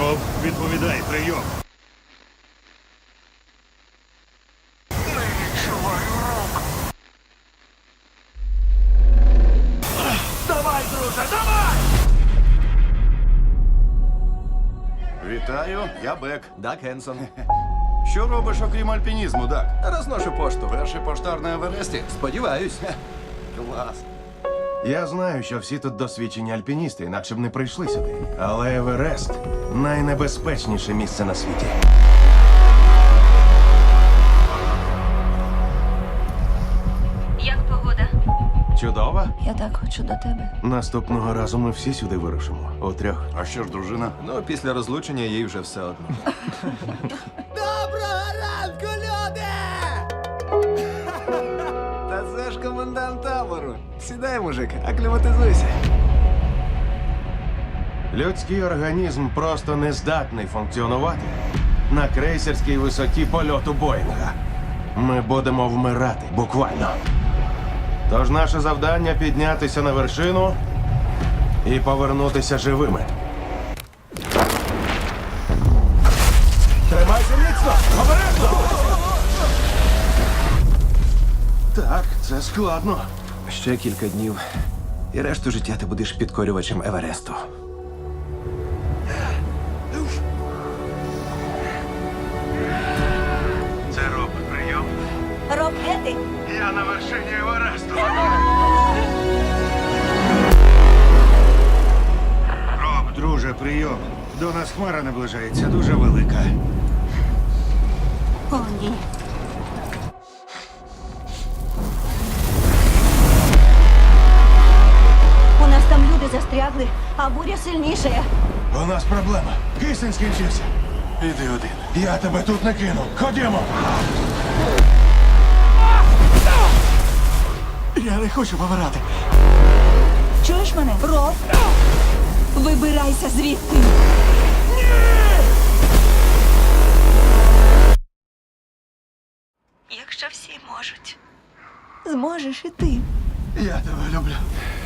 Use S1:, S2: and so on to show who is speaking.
S1: Роб, відповідай, прийом.
S2: Не відчуваю рук. Давай, друже, давай!
S3: Вітаю, я Бек.
S4: Дак Хенсон.
S3: Що робиш, окрім альпінізму, Дак?
S4: Розношу пошту.
S3: Перший поштар на Евересті?
S4: Сподіваюсь.
S3: Клас.
S5: Я знаю, що всі тут досвідчені альпіністи, інакше б не прийшли сюди. Але Еверест найнебезпечніше місце на світі.
S6: Як погода?
S5: Чудово.
S6: Я так хочу до тебе.
S5: Наступного разу ми всі сюди вирушимо. У трьох.
S3: А що ж, дружина?
S4: Ну, після розлучення їй вже все одно.
S7: Доброго ранку, люди!
S4: Та це ж комендант табору. Сідай, мужик, акліматизуйся.
S5: Людський організм просто не здатний функціонувати на крейсерській висоті польоту Боїнга. Ми будемо вмирати, буквально. Тож наше завдання піднятися на вершину і повернутися живими. Тримайся міцно! Обережно! Так, це складно.
S4: Ще кілька днів. І решту життя ти будеш підкорювачем Евересту.
S1: Це Роб, прийом.
S6: Роб, де ти?
S1: Я на вершині Евересту. Роб, друже, прийом. До нас хмара наближається, дуже велика.
S6: О, ні. У нас там люди застрягли, а буря сильніша.
S5: У нас проблема. Кисень скінчився.
S3: Іди один.
S5: Я тебе тут не кину. Ходімо.
S4: Я не хочу помирати.
S6: Чуєш мене? Роб? Вибирайся звідти. Якщо всі можуть, зможеш і ти.
S4: Я тебе люблю.